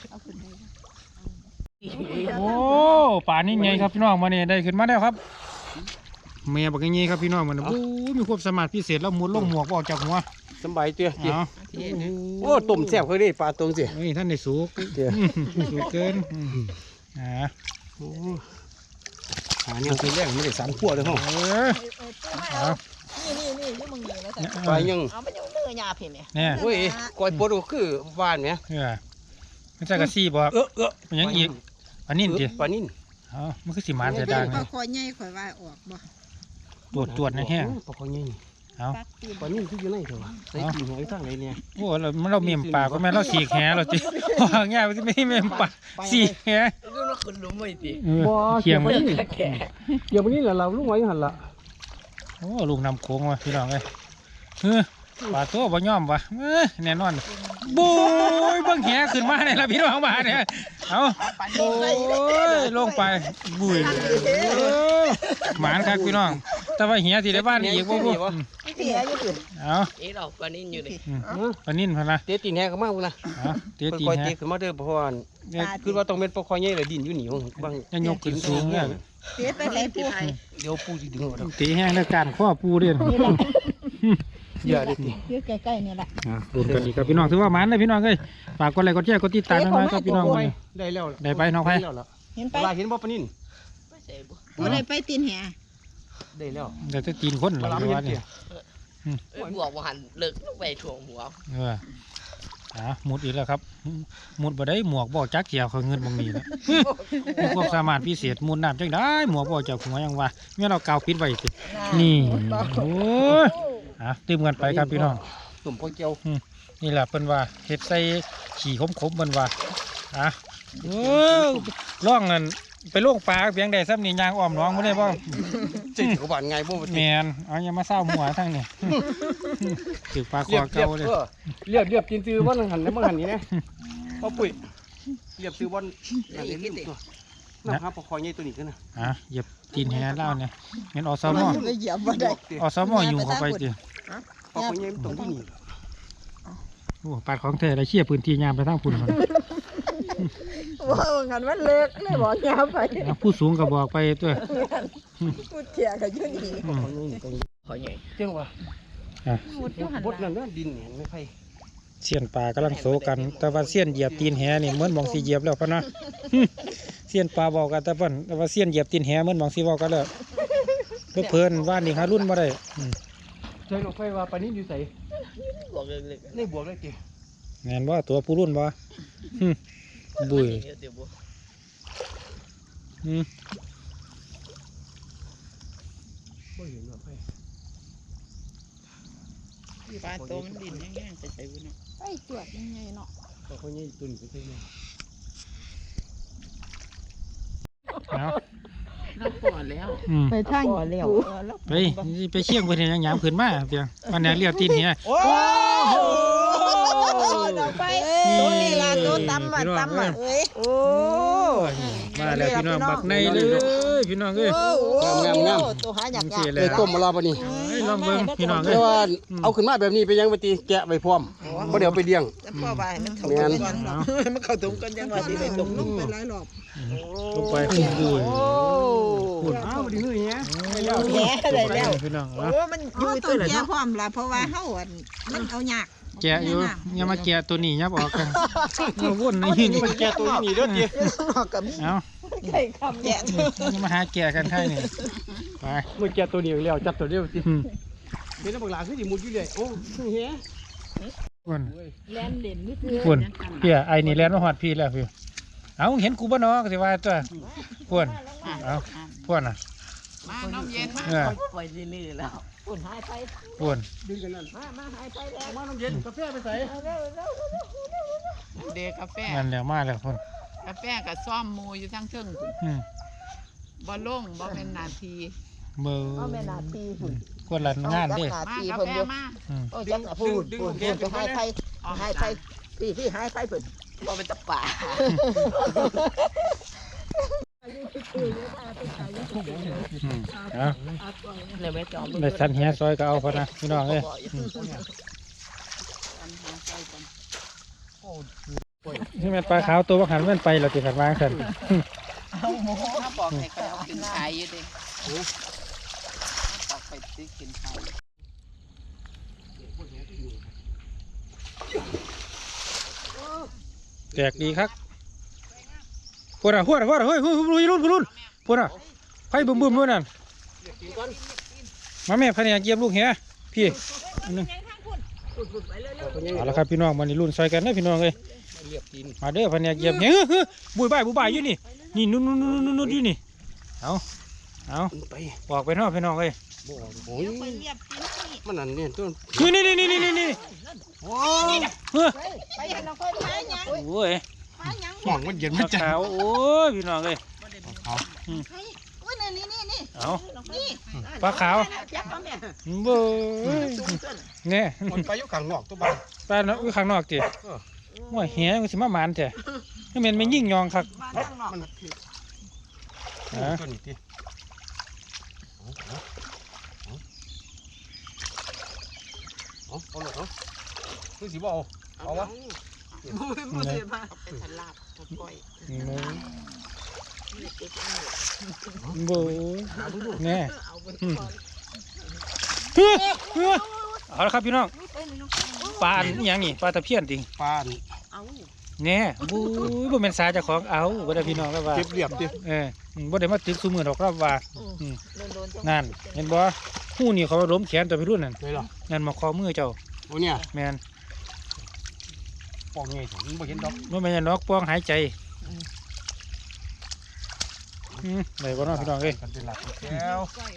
[SPEAKER 3] โอ้ป่านนี้ไงครับพี่น้องมาเนี่ยได้ขึ้นมาแล้วครับแม่บอกอย่างงี้ครับพี่น้องมันโอ้มีความสามารถพิเศษแล้วหมุดลงหมวกออกจากหัว
[SPEAKER 2] สบายเตี้ย
[SPEAKER 3] เอา
[SPEAKER 2] โอ้ต้มแซ่บเขาได้ปลาตรงสิ
[SPEAKER 3] เฮ้ยท่านได้สูก
[SPEAKER 2] เตี้ย
[SPEAKER 3] สูกเกิน
[SPEAKER 2] โอ้หาเนี่ยตัวแรกไม่ได้3 ขวดเลยห้อง
[SPEAKER 3] เอา
[SPEAKER 4] นี่อยู่มึงนี่นะ
[SPEAKER 2] ปลายัง
[SPEAKER 4] เอาไปอยู่เนื้อยาพี่แม่
[SPEAKER 3] เนี่ย
[SPEAKER 2] โอ้ยก้อยปลาคือหวานไหม
[SPEAKER 3] ไม่ใช่กระซี่บอกมันยังอีกอันนี้ดิ
[SPEAKER 2] ปลานิ่น
[SPEAKER 3] เอามันคือสีมันจะดัง
[SPEAKER 1] ปลาคอใหญ่ข่อยว่าออกบ่
[SPEAKER 3] ตรวจในแห้ง
[SPEAKER 2] ปลาคอยใหญ่
[SPEAKER 3] เอา
[SPEAKER 1] ปักตีน
[SPEAKER 2] ปลานิ่นที่อยู่ในเถอะใส่กินหอยทั้งไรเนี่ย
[SPEAKER 3] โอ้เราเมียมปากก็แม่เราสีแหเราจิวางง่ายไม่เมียมปากสีแห
[SPEAKER 5] ดูว่าขึ้นรู้ไหมดิ
[SPEAKER 3] เขียงมัน
[SPEAKER 5] แก่
[SPEAKER 2] เดี๋ยววันนี้เราลูกไว้หันละ
[SPEAKER 3] โอ้ลูกนำโค้งว่ะพี่น้องเลยปลาตัวบ่ย่อมวะแน่นอนบุ้ยเบิ่งแหขึ้นมาเนี่ยละพี่น้องมาเนี่ยเอาโอ้ยลงไปบุ้ยหมานครับพี่น้องแต่ว่าแหที่ได้บ้านนี่อีกบ่บุ้
[SPEAKER 4] พี่อายุถึง
[SPEAKER 3] เอา
[SPEAKER 5] เราปลานิ่นอยู่ดิ
[SPEAKER 3] ปนินพะนะ
[SPEAKER 2] เตะตีนแหกมากนะ
[SPEAKER 3] เตี้ยตี
[SPEAKER 2] คอย
[SPEAKER 3] แห
[SPEAKER 2] เตะขึ้นมาเด้อเพราะว่าคือว่าต้องเป็นปลาคอยใหญ่เลยดินอยู่หนีบาง
[SPEAKER 3] ยังยกขึ้นสูงเนี่ย
[SPEAKER 1] เสียไปไหนปู
[SPEAKER 2] เดี๋ยวปูสิดึงออก
[SPEAKER 3] ตีแห้งในการข้อปูเด่น
[SPEAKER 2] อย่าดิ
[SPEAKER 1] อยู่ใกล้ๆนี่แหละ
[SPEAKER 3] ดูกันอีกครับพี่น้องถือว่ามันเลยพี่น้องเอ้ยฝากกดไลค์กดแชร์กดติดตามน้อยๆครับพี่น้อง
[SPEAKER 2] ได้แล้ว
[SPEAKER 3] ได้ไปน้องไผ
[SPEAKER 1] เห็นไป
[SPEAKER 2] ปลาเห็นบ่ปลานิ่น
[SPEAKER 5] ไม่ใช่บุ
[SPEAKER 1] บ่ได้ไปตีนแห
[SPEAKER 2] ได้แล้ว
[SPEAKER 3] เดี๋ยวจะตีนคนห
[SPEAKER 2] ป
[SPEAKER 3] ลั
[SPEAKER 2] ลาง
[SPEAKER 3] ดี
[SPEAKER 2] ไม่
[SPEAKER 3] ว่า
[SPEAKER 2] เห็น
[SPEAKER 3] นี่
[SPEAKER 2] เตี้ย
[SPEAKER 5] บวกว่าหันเลิกไปถ่วงหัว
[SPEAKER 3] หมุดอีกแล้วครับหมุดบ่ได้หมวกบ่จักเกี่ยวเขาเงินบางนี้แล้วมีความสามารถพิเศษหมุดน้ำจังได้หมวกบ่จากหัวยังว่าเมื่อเรากาวปิดไว้ตินี่โอ้ยตื่มกันไปครับพี่น้อง
[SPEAKER 2] ตุ่มพอเจียว
[SPEAKER 3] นี่แหละเพิ่นว่าเห็ดใส่ขี่ขมๆเพิ่นว่าโอ้ล่องนั่นไปล่วงปลาเพียงใดซ้ำนี่ยางอ้อมน้องบ่ได้บ่
[SPEAKER 2] เจ๊กับบ้านไงบ่
[SPEAKER 3] แมนเอาอย่ามาเศร้าหัวทั้งนี่ถือปลาค
[SPEAKER 2] เรีย
[SPEAKER 3] อบ เก่าเลย
[SPEAKER 2] เรียบกินซื้อบ่หันแล้วบ่หันนี่นะพ่อปุ๋ยเรียบซื้อบ่อันนี้ลืมตัวน้ำหาปลาคอยใหญ่ตัวนี้กันนะ
[SPEAKER 3] เหยียบตีนแหเล่าเนี่ยงั้นอสม
[SPEAKER 1] มันไปเหยียบบ่ได้
[SPEAKER 3] อสมอยู่เข้าไปติ
[SPEAKER 2] ปลาคอยใหญ่มันตรงที่นี่
[SPEAKER 3] โอ้ปลาของแท้ได้เชี่ยพื้นที่ยามไปทางพุ่น
[SPEAKER 4] ว่างันมันเล็กเลยบอกยาวไป
[SPEAKER 3] ผู้สูงก็บอกไปตัว
[SPEAKER 4] พูดเถียกันอยู่นี่
[SPEAKER 5] ขอใหญ่
[SPEAKER 2] เจ้าว่า
[SPEAKER 4] พูดอยู่หัน
[SPEAKER 2] บดนั่นดินเห็นไม่ไผ
[SPEAKER 3] เสี้ยนปลากำลังโศกัน แต่ว่าเสี้ยนเหยียบตีนแหนี่เหมือนมองสีเหยียบแล้วพะนะเสี้ยนปลาบอกกันแต่เพิ่นแต่ว่าเสี้ยนเหยียบตีนแหเหมือนมองสีบอกกันแล้วเพิ่นว่านนี่หารุ่นบ่ได้
[SPEAKER 2] ใช่น้องไฟว่าปลานี้อยู่ใส่
[SPEAKER 5] บวกเล็ก
[SPEAKER 2] ในบวกเลยเจ้
[SPEAKER 3] แม่นบ่ตัวผู้รุ่นบ่บุ้ย
[SPEAKER 5] เดี๋ยวบวก
[SPEAKER 2] บ่เห็นว่าไผ
[SPEAKER 5] ปลาโตมันดินแห้งๆใส่บุญเนาะ
[SPEAKER 1] ไปจวดยังไงเนาะ
[SPEAKER 2] ปลาคอยใหญ่ตัวนี้ไปใช่ไหม
[SPEAKER 3] เอา
[SPEAKER 5] เราปอดแล้ว
[SPEAKER 1] ไปทาง
[SPEAKER 4] พอแล้ว
[SPEAKER 3] ไปเชี่ยงไปเห็นหยังขึ้นมาเพียงวันนี้เรียบตีนแห
[SPEAKER 4] โอ้โหไปตัวนี้ล่ะตัวตำอ่ะตำอ่ะเอ้ยโอ้
[SPEAKER 3] มาแล้วพี่น้องบักในเลยพี่น้องเอ้ย
[SPEAKER 4] ตัวหาอยาก
[SPEAKER 3] นี่
[SPEAKER 2] เอ้ยต้มมารอป่ะนี่
[SPEAKER 3] ลองเบิ่งพี่น้อง
[SPEAKER 2] แต่
[SPEAKER 3] เอ้ย
[SPEAKER 2] ว่าเอาขึ้นมาแบบนี้ไปยังไปตีแกะไปพร้อมบ่เดี๋ยวไปเลี้ยง
[SPEAKER 4] พ่อว่ามันเข้าถุงกันมันเข้าถุงกันยังว่าสิได้ถุงลงไปหลายรอบ
[SPEAKER 3] ลงไปดู
[SPEAKER 2] คุณอ้าวดีเลยเนี้ย
[SPEAKER 4] แหน่ได้แล้ว
[SPEAKER 3] พี่น้อง
[SPEAKER 4] โอ้มันอยู่
[SPEAKER 1] ตั
[SPEAKER 4] ตัว ว
[SPEAKER 1] แก่
[SPEAKER 4] เนาะ
[SPEAKER 1] พร้อมละเพราะว่าเฮามันเอายาก
[SPEAKER 3] แกะอยู่อย่ามาแกะตัวนี้ยับออกกันมาวนนี่นี่
[SPEAKER 2] มันแกะตัวนี้เด้อเตี้ย
[SPEAKER 4] นอกกับมี
[SPEAKER 3] เอา
[SPEAKER 4] ไข่คำแกะ
[SPEAKER 3] อย่ามาหาแกะกันให้นี่ไป
[SPEAKER 2] มันแกะตัวเดียวแล้วจับตัวเดียวสิเป็นน้ำบักหลาคือสิมุดอยู่เลยโอ้เฮ้ย
[SPEAKER 3] วน
[SPEAKER 4] แล่นเด่นนี่คือ
[SPEAKER 3] วนพี่ไอ้นี่แลนมาหอดพี่แล้วพี่เอาเห็นกูบ่เนาะก็สิว่าตัวพวนเอาพวนน่ะ
[SPEAKER 5] มาน้ำเย็นมา
[SPEAKER 3] เออ
[SPEAKER 5] ปล่อยซื่อๆแล้ว
[SPEAKER 4] ปุ่นหายไป
[SPEAKER 3] พวน
[SPEAKER 2] ดึงกันนั่น
[SPEAKER 4] มาหายไปแล้ว
[SPEAKER 2] มาน้ำเย็นกาแฟไปใส่
[SPEAKER 5] เด็กกาแฟ
[SPEAKER 3] นั่นแล้วมาแล้วพวน
[SPEAKER 5] กาแฟกับซ่อมหมูอยู่ทั้งเชิงพุ่น
[SPEAKER 3] อืม
[SPEAKER 5] บ่ลงบ่เป็นนาที
[SPEAKER 3] เบอร์
[SPEAKER 4] เอาแม่นาทีหุ่น
[SPEAKER 3] กวนละงานเด้
[SPEAKER 4] นา
[SPEAKER 5] มา
[SPEAKER 4] ที
[SPEAKER 5] กา
[SPEAKER 4] เพิ่น
[SPEAKER 5] แฟ
[SPEAKER 4] อยู่
[SPEAKER 5] มา
[SPEAKER 3] อืม
[SPEAKER 4] โอ้จังพูดไปหายไปหายไปพี่หายไปเพิ่น
[SPEAKER 5] บ่เป็นตะป่า
[SPEAKER 3] อืมเอา
[SPEAKER 5] เลยไม่จอม
[SPEAKER 3] ได้สันเฮียซอยก็เอาพอนะพี่น้องเอ้ยนี่แม่นปลาขาวตัวบักหันแม่นไปเราติขันวางสัน
[SPEAKER 5] ถ้าบอกให้เขาเอาขึ้นขายอยู่เด้บอกไปซื้อขึ้นขาย
[SPEAKER 3] แตกดีครับพวกน่ะพวกน่ะพวกน่ะเฮ้ยรุ่นพวกน่ะไฟบึ้มด้วยนั่นมาแม่พะเนี่ยเกียบลูกเหี้ยพี่อันนึงเอาละครับพี่น้องมันนี่รุ่นซอยกันนะพี่น้องเอ้ยมาเด้อพะเนี่ยเกียบเนี่ยบุยบ่ายอยู่นี่นี่นู่นอยู่นี่เอา
[SPEAKER 2] ไป
[SPEAKER 3] ออกไปนอกพี่น้องเอ้ย
[SPEAKER 2] บ่โอ้ยมันนั่นเนี่ยต้น
[SPEAKER 3] นี่โอ้
[SPEAKER 4] ไปหันเอาไปหาหยัง
[SPEAKER 3] โอ้ย
[SPEAKER 2] ห่วงมันเย็น
[SPEAKER 3] ป
[SPEAKER 2] มั
[SPEAKER 3] ลาน
[SPEAKER 2] จัง
[SPEAKER 3] ขาวโอ้ยพี่น้องเอ้ย
[SPEAKER 1] อุ้ยนี่
[SPEAKER 3] เอาปลาขาว
[SPEAKER 4] ยักษ์เอาแม่
[SPEAKER 3] เบ้ยเนี่ย
[SPEAKER 2] มันไปอยู่ข้างนอกตัวบ้าน
[SPEAKER 3] ปลาเนาะอยู่ข้างนอกจีว่าเหี้ยมันสิมาหมานแท้นี่แม่นไม่ยิ่งยองคัก
[SPEAKER 2] มัน
[SPEAKER 3] ฮะ
[SPEAKER 2] ตัวนี้ติเอาเลยเอาคือสิบ่เอาวะ
[SPEAKER 5] เอาไปทลาบทก้อย
[SPEAKER 3] เบ้ยเนี่ย
[SPEAKER 5] เอาไป
[SPEAKER 3] เอาละครับพี่น้องปลาอันหยังนี่ปลาตะเพียนติ
[SPEAKER 2] ปลา
[SPEAKER 5] เอา
[SPEAKER 3] เนี่ยบู๊บ่แม่นสาเจ้าของเอาบ่ได้พี่น้องแล้วว่า
[SPEAKER 2] เก็บเรียบดิ
[SPEAKER 3] บ่ได้มาตึกซุมื้อดอกครับว่า
[SPEAKER 4] โดนๆ
[SPEAKER 3] นั่นเห็นบ่ฮู้นี่เขาล้มแขนตัวพี่รุ่นนั่น
[SPEAKER 2] เลยเหรอ
[SPEAKER 3] นั่นมาคอมือเจ้า
[SPEAKER 2] โอ้เนี่ย
[SPEAKER 3] แม่น
[SPEAKER 2] ปองไงถึงบ่เห็นดอก
[SPEAKER 3] บ่แม่นนอกป้องหายใจได้บ่เนาะพี่น้องเอ้ย
[SPEAKER 2] กันเป็นหลักแล้ว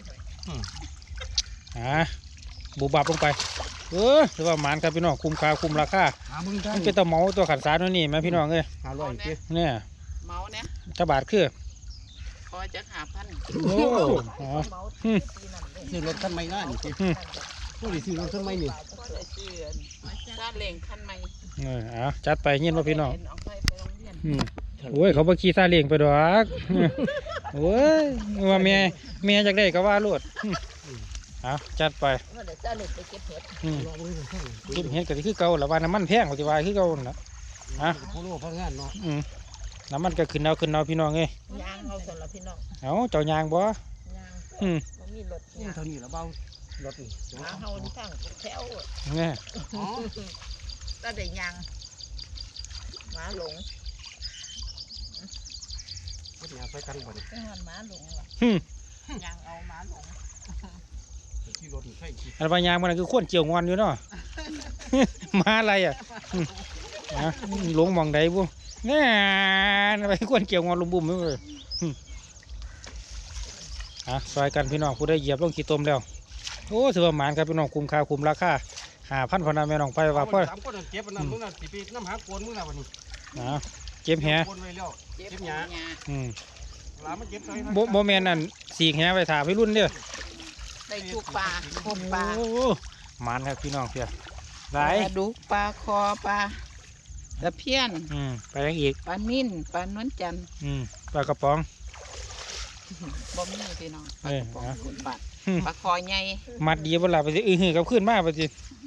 [SPEAKER 3] บุบับลงไปถือว่าหมานครับพี่น้องคุ้มค่าคุ้มราคา
[SPEAKER 2] หามึงได้
[SPEAKER 3] มันเป็นตะเหมาตัวขันสารนี่ไหมพี่น้องเอ้ย
[SPEAKER 2] 500ติ
[SPEAKER 3] เนี่ย
[SPEAKER 5] เมาเนี่ย
[SPEAKER 3] จะบาทคือ
[SPEAKER 5] พอจะ5,000
[SPEAKER 3] โอ้อ๋อ
[SPEAKER 2] ซื้อรถคันใหม่ง่ายนี่ติผู้ที่ซื้อรถคันใหม่นี่
[SPEAKER 5] ซื้อซาเล้งคันใหม่
[SPEAKER 3] จัดไปเงี้ยว่าพี่น้อง
[SPEAKER 5] เอาไปโรงเรียน
[SPEAKER 3] โอ้ยเขาบ่ขี่ซาเล้งไปดอกโอ้ยว่าแม่อยากได้ก็ว่าโลดจัดไป
[SPEAKER 4] เดี๋ยวจะเล็กไปเก็บเห็ด
[SPEAKER 3] เก็บเห็ดก็คือเก่าละว่าน้ำมันแพงกว่าที่ว่าคือเก่านั่นล่ะ
[SPEAKER 2] โคโลพังงานเนาะ
[SPEAKER 3] น้ำมันก็ขึ้นเอาพี่น้องเอ้ย
[SPEAKER 4] ยางเอาสำหรับพี่น้อง
[SPEAKER 3] เอาเจ้ายางบ่
[SPEAKER 4] ยาง
[SPEAKER 3] อืม
[SPEAKER 4] มันมีรถ
[SPEAKER 2] นี่
[SPEAKER 4] ยาง
[SPEAKER 2] เท่านี้ละเบารถนี่
[SPEAKER 4] หาเฮาที่ทางแถว
[SPEAKER 3] เนี่ย
[SPEAKER 2] อ๋อ
[SPEAKER 4] ก็ได้ยางหมาหลง
[SPEAKER 2] เฮ็ดหยังไปกันบ่นี่
[SPEAKER 4] จังหวัดหมาหลงว่ะยางเอาหมาหลง
[SPEAKER 2] ที่รถนี่ใช่ที่
[SPEAKER 3] อันว่ายางมันคือขวนเกี่ยวงอนอยู่เนาะ มาอะไรหลงมองใดบุเนี่ยไปขวนเกี่ยวงอนลุมบุ่มเลยซอยกันพี่น้องผู้ได้เหยียบลงขี้ตมแล้วโอ้ถือว่าหมานครับพี่น้องคุ้มค่าคุ้มราคา5,000พนันแม่น้องไปว่าพ่อ
[SPEAKER 2] 3คนเก็บอันนั้นมึงน่ะสิไปน้ำหาโกนมึงน่ะวันนี้
[SPEAKER 3] เก็บแห
[SPEAKER 2] โกนไว้แล้ว
[SPEAKER 5] เจ็บ
[SPEAKER 2] เก็บ
[SPEAKER 5] ห
[SPEAKER 2] ห
[SPEAKER 5] ยา
[SPEAKER 2] ญ้าหลานมันเก็บใส่
[SPEAKER 3] โมแมนนั่นสีแหไปถ่าพี่รุ่นเด้อ
[SPEAKER 5] ได้ทุกปลาคมปลา
[SPEAKER 3] โอ้หมานครับพี่น้องเพียหลาย
[SPEAKER 5] ปลาดุกปลาคอปลา
[SPEAKER 4] ตะเพียน
[SPEAKER 3] ไปยังอีก
[SPEAKER 4] ปลานิ่นปลานวลจันทร์
[SPEAKER 3] ปลากระป๋อง
[SPEAKER 4] บ่มีพี่น้องป
[SPEAKER 3] เอ
[SPEAKER 4] ลาก
[SPEAKER 3] อ
[SPEAKER 4] ระป๋อง
[SPEAKER 3] เอา
[SPEAKER 4] ปลาปลาคอใหญ่
[SPEAKER 3] มัดดีเวลาไปสิหือกับขึ้นมาไปสิ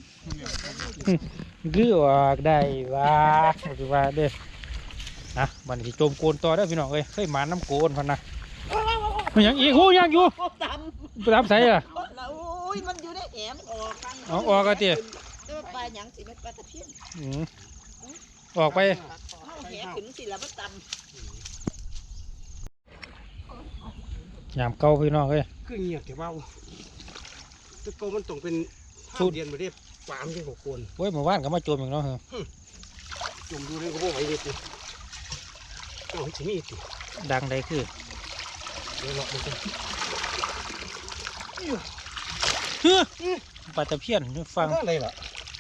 [SPEAKER 3] กือออกได้ว่าถือว่าเด้อนะบันที่โจมโกนต่อได้อพี่น้องเอ้ยเคยหมาน้ำโกนพันนะมันยังอีกหูยังอยู่ไปทำใส่อะ
[SPEAKER 4] โอ้ยมันอยู่ในแหมออกกัน
[SPEAKER 3] เอาออกกันเตี๋ย
[SPEAKER 4] ปลาหยังสิมันปลาตะเพียน
[SPEAKER 3] ออกไป
[SPEAKER 4] เอาแหขึ้นสิแล้วมันต่ำ
[SPEAKER 3] ยามเก่าพี่น้องเอ้ย
[SPEAKER 2] คือเงียบแต่ว่าตะโกมันต้องเป็น
[SPEAKER 3] สุด
[SPEAKER 2] เดียนมาเรียบปามยังของคน
[SPEAKER 3] เว้ยเมื่อวานก็มาโจมอีกเนาะเหรอ
[SPEAKER 2] จมดูเลยก็บอกไว้เลยโอ้ยจะมีติ
[SPEAKER 3] ดังใดคือ
[SPEAKER 2] เดี๋ยวเราไปกัน
[SPEAKER 3] ปลาตะเพียนฟัง
[SPEAKER 2] อะไรล่ะ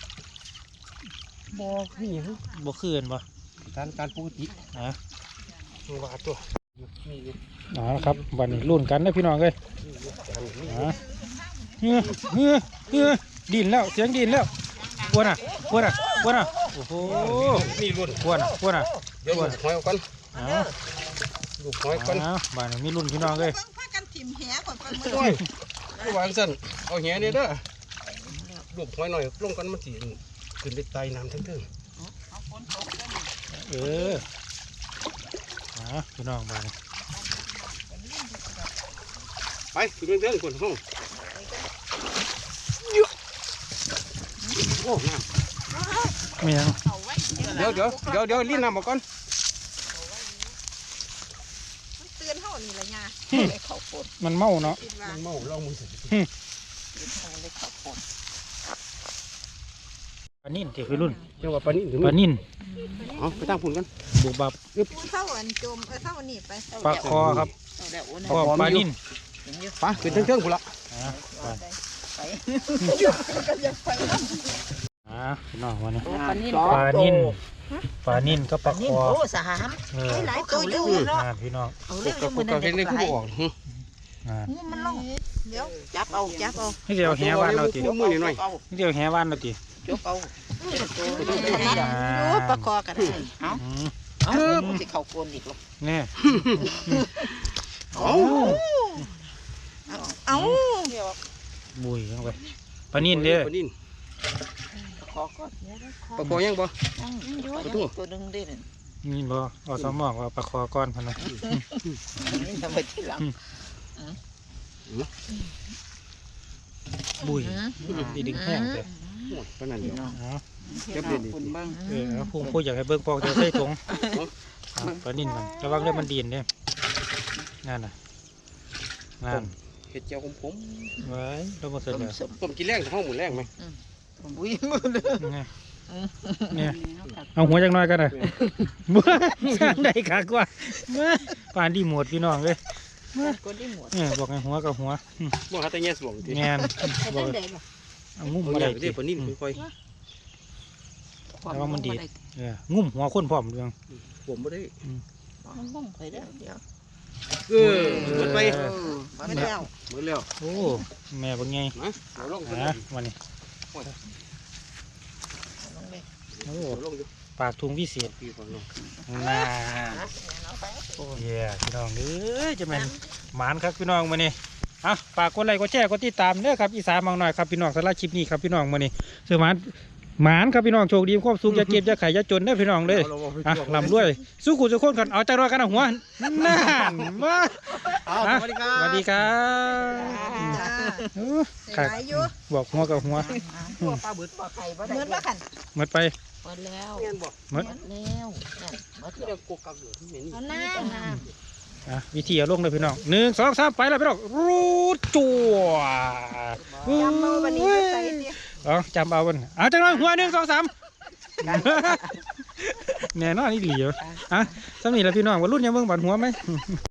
[SPEAKER 2] บอกนี่
[SPEAKER 3] บ่คืนบ่
[SPEAKER 2] การปกติ
[SPEAKER 3] นะ
[SPEAKER 2] ตัววาตัวมีอยู่
[SPEAKER 3] ครับวันนี้รุ่นกันนะพี่น้องเอ้ยดินแล้วเสียงดินแล้วกวนอ่ะโอ้โห
[SPEAKER 2] มีรุ่น
[SPEAKER 3] กวนอ่ะ
[SPEAKER 2] เดี๋ยวลูกหอยเอากัน
[SPEAKER 3] เอา
[SPEAKER 2] ลูกหอยกัน
[SPEAKER 3] บ้านนี้มีรุ่นพี่น้องเอ้ย
[SPEAKER 1] พากันถิ่มแหก่อนไปมือ
[SPEAKER 2] โอ้ยผู้วางสั้นเอาแหเนี่ยเด้อลูกหอยหน่อยลงกันมันสิขึ้นไปไต่น้ำทั้งเทิง
[SPEAKER 3] เออพี่น้องบ้าน
[SPEAKER 2] ไปขึ้นเทิงคนห้องโอ้น้ำ
[SPEAKER 3] ไม่ยัง
[SPEAKER 2] เดี๋ยวรีบน้ำออกก่อน
[SPEAKER 1] เตือนเท่านี้ละยา
[SPEAKER 4] เลยเข้าปน
[SPEAKER 3] มันเมาเนาะ
[SPEAKER 1] คิดว่า
[SPEAKER 2] มันเมาเล่ามือสิ
[SPEAKER 4] เลยเข้าปน
[SPEAKER 3] ปลานิ่นเดี๋ยวพี่รุ่น
[SPEAKER 2] เจ้าว่าปลานิ่นถึง
[SPEAKER 3] ปลานิ่น
[SPEAKER 2] เอาไปตั้งฝุ่นกัน
[SPEAKER 3] บุบับ
[SPEAKER 1] พูดเท่าอันจมเท่าอันนี้ไป
[SPEAKER 3] ปลาคอครับ
[SPEAKER 4] เอาแล้วโอ้ย
[SPEAKER 3] ก็ปลานิ่น
[SPEAKER 2] ไปขึ้นเทิงๆฝุ่นละ
[SPEAKER 4] ไป
[SPEAKER 3] พี่น้องวันนี้
[SPEAKER 4] ปลานิ่น
[SPEAKER 3] ปลานิ่นก็ปลาค
[SPEAKER 4] นิ่น
[SPEAKER 3] อ
[SPEAKER 4] โอ้สาม
[SPEAKER 3] เออ
[SPEAKER 4] หลายตัวอยู่เนาะ
[SPEAKER 3] พี่น้อง
[SPEAKER 4] เอา
[SPEAKER 2] ป
[SPEAKER 4] เรื่อง
[SPEAKER 2] ก
[SPEAKER 4] มือนั่น
[SPEAKER 2] เห็นใน
[SPEAKER 4] เด็ก
[SPEAKER 2] คู่
[SPEAKER 4] หลาย
[SPEAKER 2] ออก
[SPEAKER 4] มันลง
[SPEAKER 1] เดี๋ยว
[SPEAKER 4] จับเอา
[SPEAKER 3] นี่เดียวแหวานเราติ
[SPEAKER 2] มือหน่อย
[SPEAKER 3] นี่เดียวแหวานเราติ
[SPEAKER 4] ยกเอา
[SPEAKER 1] รู้ประคอกัน
[SPEAKER 4] เอาเอามันจะเข้าปนอีกหรอ
[SPEAKER 3] เนี่ย
[SPEAKER 2] เอา
[SPEAKER 1] เอา
[SPEAKER 3] บุยเข้าไปปลานิ่นเด้อ
[SPEAKER 2] ปลานิ่น
[SPEAKER 4] ขอก่อน
[SPEAKER 2] ปลาคอยังบ่
[SPEAKER 4] ตัวนึงได้เลย
[SPEAKER 3] นี่บ่เอาสมองว่าปลาคอก้อนพันนะ
[SPEAKER 4] นี่ทำไปที่หลัง
[SPEAKER 3] บุยดีดึงแห้งเลย
[SPEAKER 2] ปลานั่นเดียว
[SPEAKER 3] เอา
[SPEAKER 2] เก็บเด็ด
[SPEAKER 4] คุณบ้าง
[SPEAKER 3] พุ่งพูดอยากให้เบิ่งปอกเดี๋ยวใส่ถุงปลานิ่นมันระวังเรื่องมันดีนเด้นั่นน่ะนั่น
[SPEAKER 2] เห็ดเจียวผม
[SPEAKER 3] ไว้เราบ่เสร็จแล้ว
[SPEAKER 2] ผมกินแรงห้องหมุนแรงไหม
[SPEAKER 4] บุ้ยมือเลย
[SPEAKER 3] เนี่ยเอาหัวจังน้อยกันน่ะบ่สร้างได้ขากว่าป่านดีหมดพี่น้องเลย
[SPEAKER 4] คนที่หมด
[SPEAKER 3] บอกให้หัวกับหัว
[SPEAKER 2] บ่หาแต่แง่สวงที
[SPEAKER 3] แงนบอกเอางุ้มมาได้
[SPEAKER 2] เดี๋ยวปลานิ่นค่อย
[SPEAKER 3] งุ้มหัวคนพร้อมเรื่อง
[SPEAKER 2] ๆผมไม่ได้
[SPEAKER 4] มันบ้องไปแล้วเดี๋ยว
[SPEAKER 2] หมดไป
[SPEAKER 1] ไม่แล้ว
[SPEAKER 2] หมดแล้ว
[SPEAKER 3] โอ้แม่เป็นไง
[SPEAKER 2] นะเอาลง
[SPEAKER 3] วันนี้โอ้
[SPEAKER 2] เอาลงอยู่
[SPEAKER 3] ปากทุงวิเศษ
[SPEAKER 2] พี่ก่อนลง
[SPEAKER 3] น่าโอ้ยพี่น้องเอ้ยจะเป็นหมานครับพี่น้องมานี่ฝากกดไลค์กดแชร์กดติดตามเด้อครับอีสานบางหน่อยครับพี่น้องสำหรับคลิปนี้ครับพี่น้องมานี่เสือหมานครับพี่น้องโชคดีความสุขอย่าเก็บอย่าไข่อย่าจนเด้อพี่น้องเลยลำด้วยสู้ขู่สู้คนกันเอาใจรอกันนะหัวน่านมา
[SPEAKER 2] สวัสดีครับ
[SPEAKER 3] สวัสดีครับ
[SPEAKER 1] หลายอยู่
[SPEAKER 3] บอกหัวกับหัว
[SPEAKER 4] ตัวปลาบึดปลาไข่ปลา
[SPEAKER 1] เหมือนว่าขัน
[SPEAKER 3] หมดไป
[SPEAKER 4] หมดแล้ว
[SPEAKER 2] เงี้ยบอก
[SPEAKER 3] หมด
[SPEAKER 4] แล้วหมด
[SPEAKER 2] ที่เราโกกักอยู่ที่เห็น
[SPEAKER 1] เอาหน้า
[SPEAKER 3] วิธีเอาลงเลยพี่น้อง1 2 3ไปแล้วพี่น้องรูดจั่ว
[SPEAKER 1] จำเอาวันนี้จะใส่เดียว
[SPEAKER 3] จำเอาวันเอาจังเลยหัว1 2 3แน่นอนนี่เหลียวสำนีแล้วพี่น้องว่ารุ่นยังเบิ่งบัดหัวไหม